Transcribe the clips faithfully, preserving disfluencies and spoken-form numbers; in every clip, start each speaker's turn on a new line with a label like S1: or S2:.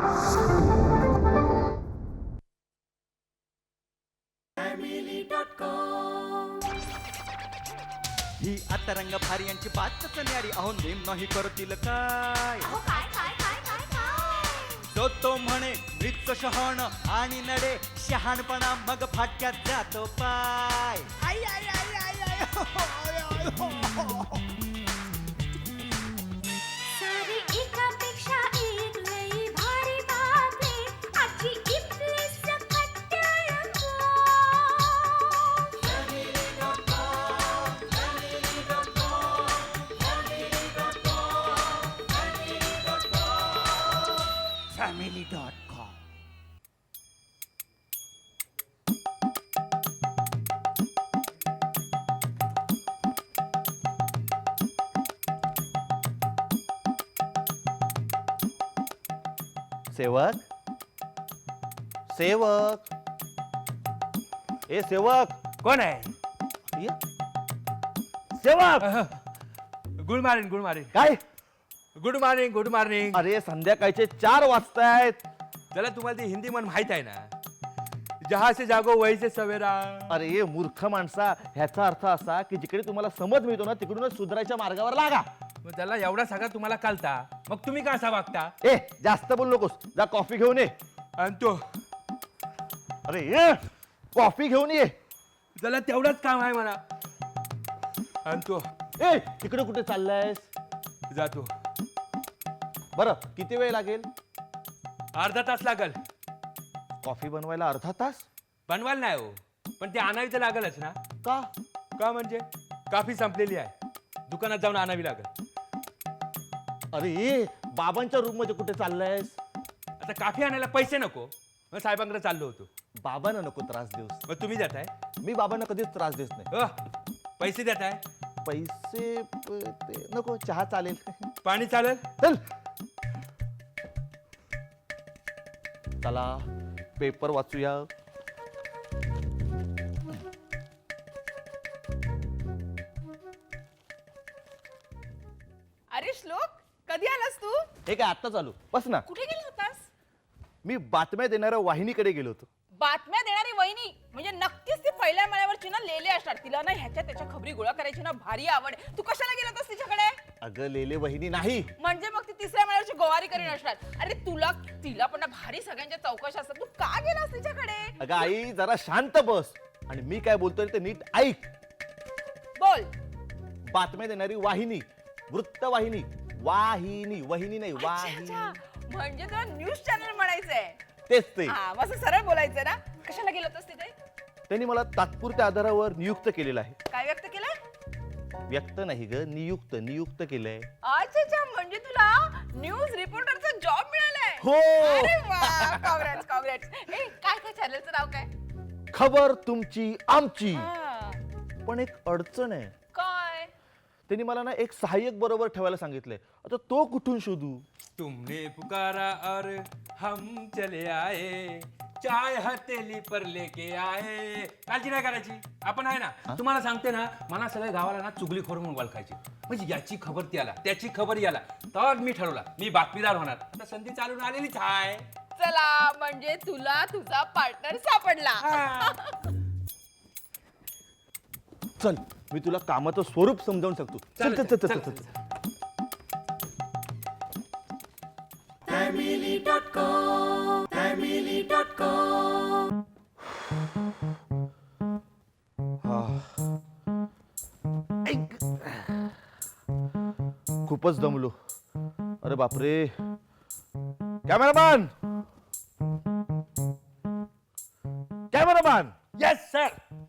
S1: ही आता रंग भारी यांची बातच न्यारी, अहो नेम नाही करतील काय. तो तो म्हणे मृत शहाण आणि नडे शहाणपणा, मग फाटक्यात जातो पाय. आई आई आई आई आई हो, हो, आय, आय, हो, हो.
S2: सारी एकापेक्षा एक लई भारी बातमी, आजची इथली सकट टेलिफोन.
S1: Family dot com.
S3: सेवक सेवक ए सेवक
S4: कोण आहे?
S3: ये. सेवक
S4: गुड मॉर्निंग गुड मॉर्निंग
S3: काय?
S4: Good morning good morning.
S3: अरे संध्याकाळचे चार वाजतायत.
S4: त्याला तुम्हाला ती हिंदी म्हण माहित आहे ना, जहा से जागो वही से सवेरा.
S3: अरे मूर्ख माणसा, ह्याचा अर्थ असा की जिकडे तुम्हाला समज मिळतो ना तिकडूनच सुधारायच्या मार्गावर लागा.
S4: मग त्याला एवढा सगळा तुम्हाला कळता, मग तुम्ही का असा वागता?
S3: ए जास्त बोल नकोस, जा कॉफी घेऊन ये.
S4: आणि तो
S3: अरे ये कॉफी घेऊन ये.
S4: त्याला तेवढंच काम आहे म्हणा. आणि तो
S3: ए तिकडे कुठे चाललायस?
S4: जातो.
S3: बरं किती वेळ लागेल?
S4: अर्धा तास लागल.
S3: कॉफी बनवायला अर्धा तास?
S4: बनवायला नाही हो, पण ते आणावी तर लागलच ना.
S3: का?
S4: का म्हणजे कॉफी संपलेली आहे, दुकानात जाऊन आणावी लागल.
S3: अरे ये बाबांच्या रूम मध्ये कुठे चाललायस?
S4: आता कॉफी आणायला पैसे नको, मग साहेबांकडे चाललो होतो.
S3: बाबांना नको त्रास देऊस.
S4: मग तुम्ही देताय?
S3: मी बाबांना कधीच त्रास देत नाही.
S4: अ, पैसे देताय?
S3: पैसे प- ते नको, चहा चालेल.
S4: पाणी चालेल?
S3: चल चला पेपर वाचूया.
S5: अरे श्लोक, कधी आलास तू?
S3: हे काय आत्ता चालू बस ना.
S5: कुठे गेला होतास?
S3: मी बातम्या देणाऱ्या वाहिनीकडे गेलो होतो.
S5: बातम्या देणारी वहिनी म्हणजे नक्कीच ती पहिल्या माळ्यावरची ना लेले असणार. तिला ना ह्याच्या त्याच्या खबरी गोळा करायची ना भारी आवड आहे. तू कशाला गेला होतास तिच्याकडे?
S3: अगं लेले वहिनी नाही.
S5: म्हणजे मग ती तिसऱ्या माळ्यावरची गोवारी करीन असणार. अरे तुला तिला पण ना भारी सगळ्यांच्या चौकशा असतात. तू का गेलास तिच्याकडे?
S3: अगं आई जरा शांत बस आणि मी काय बोलतोय ते नीट ऐक.
S5: बोल.
S3: बातम्या देणारी वाहिनी, वृत्तवाहिनी, वाहिनी वहिनी नाही
S5: अच्छा,
S3: वाहिनी.
S5: अच्छा. म्हणजे तुला न्यूज चॅनल म्हणायचंय.
S3: तेच ते.
S5: हा मग असं सरळ बोलायचं ना. कशाला गेला होतास तिथे?
S3: त्यांनी मला तात्पुरत्या आधारावर नियुक्त केलेलं आहे.
S5: काय व्यक्त केलं?
S3: व्यक्त नाही ग, नियुक्त नियुक्त केलंय.
S5: अच्छा अच्छा, म्हणजे तुला न्यूज रिपोर्टरचा जॉब मिळालाय.
S3: हो.
S5: अरे वा, काँग्रेट्स काँग्रेट्स. ए काय काय चॅनलचं नाव काय?
S3: खबर तुमची आमची.
S5: हा,
S3: पण एक अडचण आहे.
S5: काय?
S3: त्यांनी मला ना एक सहाय्यक बरोबर ठेवायला सांगितलंय. आता तो कुठून शोधू?
S4: तुमने पुकारा और हम चले आए, चाय हथेली पर लेके आए. काळजी नाही करायची, आपण आहे ना. तुम्हाला सांगते ना, मला सगळ्या गावाला ना चुगलीखोर म्हणून ओळखायची. म्हणजे याची खबर त्याला, त्याची खबर याला. तर मी ठरवला मी बातमीदार होणार. आता संधी चालून आलेलीच आहे.
S5: चला, म्हणजे तुला तुझा पार्टनर सापडला.
S3: चल मी तुला कामाचं स्वरूप समजावून सांगतो. चल चल चल चल चल चल. ऐक. खूपच दमलो. अरे बापरे. Cameraman cameraman
S4: yes sir.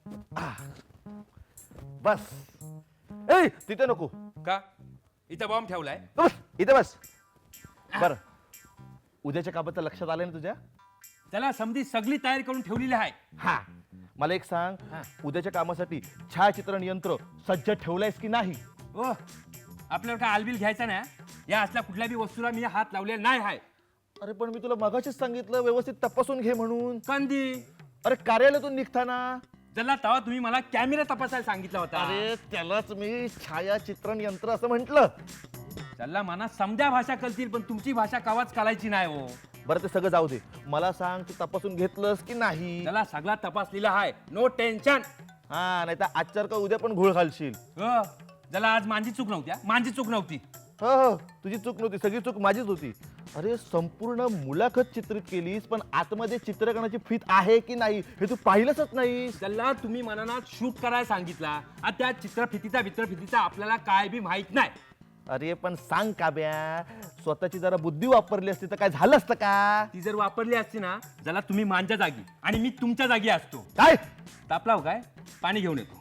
S3: बस. ए तिथे नको.
S4: का इथं बॉम्ब ठेवलाय?
S3: बस इथे बस. बर उद्याच्या कामाचं लक्षात आलं ना तुझ्या?
S4: त्याला समधी सगळी तयारी करून ठेवलेली आहे.
S3: हा मला एक सांग,
S4: हा.
S3: उद्याच्या कामासाठी छायाचित्रण यंत्र सज्ज ठेवलंयस की नाही?
S4: ओ आपल्याला काय आलबिल घ्यायचा ना, या असल्या कुठल्याही वस्तूला मी हात लावलेला नाही आहे.
S3: अरे पण मी तुला मगाशीच सांगितलं व्यवस्थित तपासून घे म्हणून.
S4: कंदी
S3: अरे कार्यालयातून निघताना.
S4: त्याला तेव्हा तुम्ही मला कॅमेरा तपासायला सांगितला होता.
S3: अरे त्यालाच मी छायाचित्रण यंत्र असं म्हटलं.
S4: त्याला मना समध्या भाषा कळतील, पण तुमची भाषा कावाच कालायची नाही हो.
S3: बरं ते सगळं जाऊ दे, मला सांग तू तपासून घेतलंस की नाही?
S4: त्याला सगळा तपासलेला आहे, नो टेन्शन.
S3: हा, नाही तर आजच्या का उद्या पण घोळ घालशील.
S4: हो, त्याला आज माझी चूक नव्हती हा, माझी चूक नव्हती.
S3: हो हो, तुझी चूक नव्हती, सगळी चूक माझीच होती. अरे संपूर्ण मुलाखत चित्रित केलीस, पण आतमध्ये चित्रकरणाची फीत आहे की नाही हे तू पाहिलंच नाही.
S4: त्याला तुम्ही मनात शूट करायला सांगितला, आता त्या चित्रफितीचा चित्रफितीचा आपल्याला काय बी माहित नाही.
S3: अरे पण सांग काब्या, स्वतःची जरा बुद्धी वापरली असती तर काय झालं असतं का?
S4: ती जर वापरली असती ना, ज्याला तुम्ही माझ्या जागी आणि मी तुमच्या जागी असतो.
S3: काय
S4: तापलाव काय, पाणी घेऊन येतो.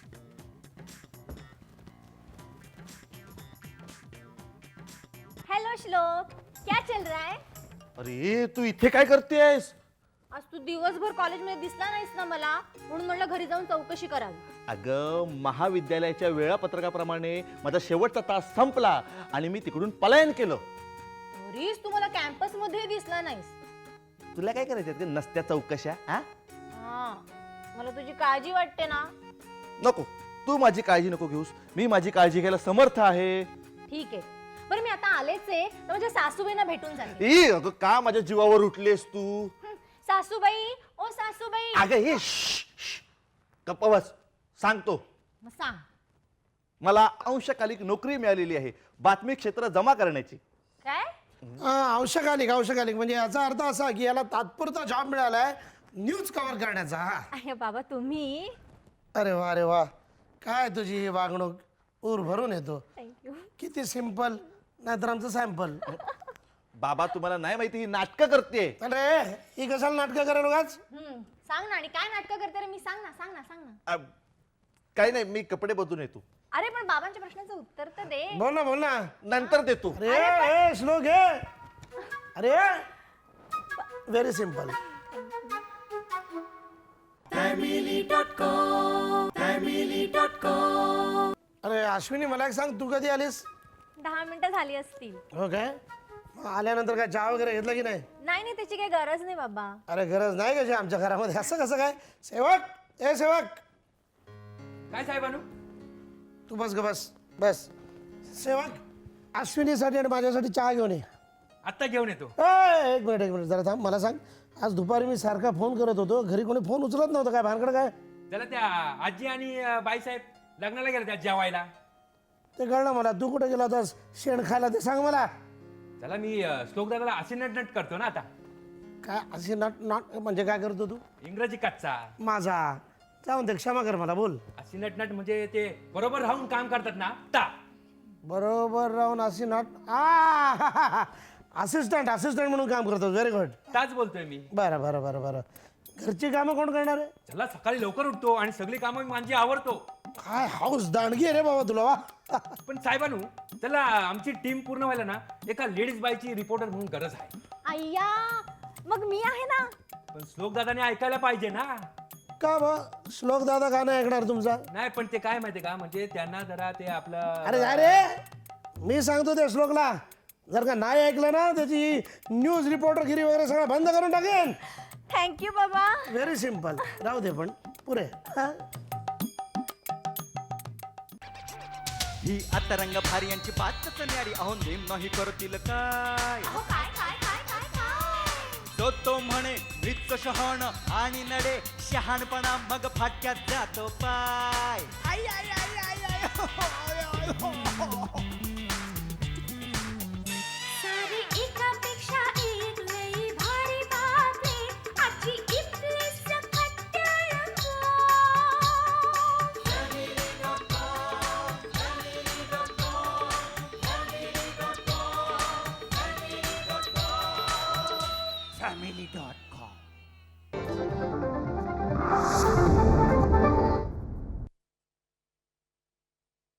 S2: हेलो श्लोक, क्या चल रहा है?
S3: अरे तू इथे काय करतेस?
S2: आज तू दिवसभर कॉलेजमध्ये दिसला नाहीस ना मला, म्हणून म्हणलं घरी जाऊन चौकशी करावी.
S3: अगं महाविद्यालयाच्या वेळापत्रकाप्रमाणे माझा शेवटचा तास संपला आणि मी तिकडून पलायन केलं.
S2: तरीच तू मला कॅम्पस मध्ये दिसला नाहीस.
S3: तुला काय करायचं नसत्या चौकशा? हा
S2: हा, मला तुझी काळजी वाटते ना.
S3: नको, तू माझी काळजी नको घेऊस, मी माझी काळजी घ्यायला समर्थ आहे.
S2: ठीक आहे, बरं मी आता आलेच आहे तर माझ्या सासूबाईंना भेटून जाते.
S3: ई, अगं का माझ्या जीवावर उठलेस तू?
S2: हं, सासूबाई, ओ सासूबाई.
S3: अगं हे श्श, श्श, गप्प बस, सांगतो.
S2: मग सांग.
S3: मला अंशकालिक नोकरी मिळालेली आहे, बातमी क्षेत्र जमा करण्याची.
S2: काय?
S6: हा, अंशकालिक अंशकालिक म्हणजे याचा अर्थ असा की याला तात्पुरता जॉब मिळालाय न्यूज कव्हर करण्याचा. हा.
S2: अरे बाबा तुम्ही.
S6: अरे वा अरे वा, काय तुझी ही वागणूक, ऊर भरून येतो.
S2: थँक्यू.
S6: किती सिंपल, नाहीतर आमचं सॅम्पल.
S3: बाबा तुम्हाला नाही माहिती, ही नाटकं करते.
S6: अरे ही कशाला नाटकं करायला उगाच?
S2: हम्म, सांग ना. आणि काय नाटकं करते रे मी? सांग ना, सांग ना, सांग ना.
S3: अ, काही नाही, मी कपडे बदलून येतो.
S2: अरे पण बाबांच्या प्रश्नाचं उत्तर तर दे.
S6: बोल ना बोल ना.
S3: नंतर देतो.
S6: अरे ए, श्लोक हे. अरे व्हेरी सिंपल. अरे अश्विनी मला एक सांग, तू कधी आलीस?
S2: दहा मिनिटं झाली असतील.
S6: हो काय, मग आल्यानंतर काय चहा वगैरे घेतला की नाही?
S2: नाही नाही, त्याची काही गरज नाही बाबा.
S6: अरे गरज नाही कशी आमच्या घरामध्ये, असं कसं काय? सेवक, ए सेवक,
S4: काय साहेबानू?
S6: तू बस ग बस बस. सेवक, अश्विनीसाठी आणि माझ्यासाठी चहा घेऊन ये.
S4: आत्ता घेऊन येतो.
S6: ए, एक मिनिट एक मिनिट जरा थांब, मला सांग, आज दुपारी मी सारखा फोन करत होतो, घरी कोणी फोन उचलत नव्हतं, काय भानगड काय?
S4: त्याला त्या आजी आणि अं, बाईसाहेब लग्नाला गेले त्या जेवायला.
S6: ते कळलं मला. तू कुठे गेला होतास शेण खायला ते सांग मला.
S4: त्याला मी अं, श्लोक दादाला असे नट करतो ना आता.
S6: काय असे नाट नाट म्हणजे काय करतो तू?
S4: इंग्रजी कच्चा.
S6: माझा जाऊन ते क्षमा कर मला, बोल.
S4: अशी नटनट म्हणजे ते बरोबर राहून काम करतात ना ता.
S6: बरोबर राहून अशी नाट. आ असिस्टंट असिस्टंट म्हणून काम करतो. Very good.
S4: ताच बोलतोय मी.
S6: बरं बरं बरं बरं. घरची कामं कोण करणार आहे?
S4: त्याला सकाळी लवकर उठतो आणि सगळी कामं मी माझी आवडतो.
S6: काय हाऊस दांडगी आहे रे बाबा तुला, वा.
S4: पण साहेबानू, त्याला आमची टीम पूर्ण व्हायला ना एका लेडीज बायची रिपोर्टर म्हणून गरज आहे.
S2: अय्या, मग मी आहे ना.
S4: पण श्लोक दादाने ऐकायला पाहिजे ना.
S6: का बा श्लोक दादा का नाही ऐकणार तुमचा?
S4: नाही पण ते काय माहितीये का, म्हणजे त्यांना जरा ते आपलं.
S6: अरे अरे मी सांगतो त्या श्लोकला, जर का नाही ऐकलं ना त्याची न्यूज रिपोर्टरगिरी वगैरे सगळं बंद करून टाकेन.
S2: थँक्यू बाबा.
S6: Very simple. राहू दे पण पुरे. हा?
S1: ही आता रंग भारी यांची बातच न्यारी, अहो नेम नाही करतील काय.
S2: अहो, काय काय काय काय काय?
S1: तो तो म्हणे मृत शहाण आणि नडे शहाणपणा, मग फाटक्यात जातो पाय. आई आई आई आई आई हो, आय, आय, हो, हो.
S2: सारी एकापेक्षा एक लई भारी बातमी, आजची इथली सकट टेलिफोन.
S1: Family dot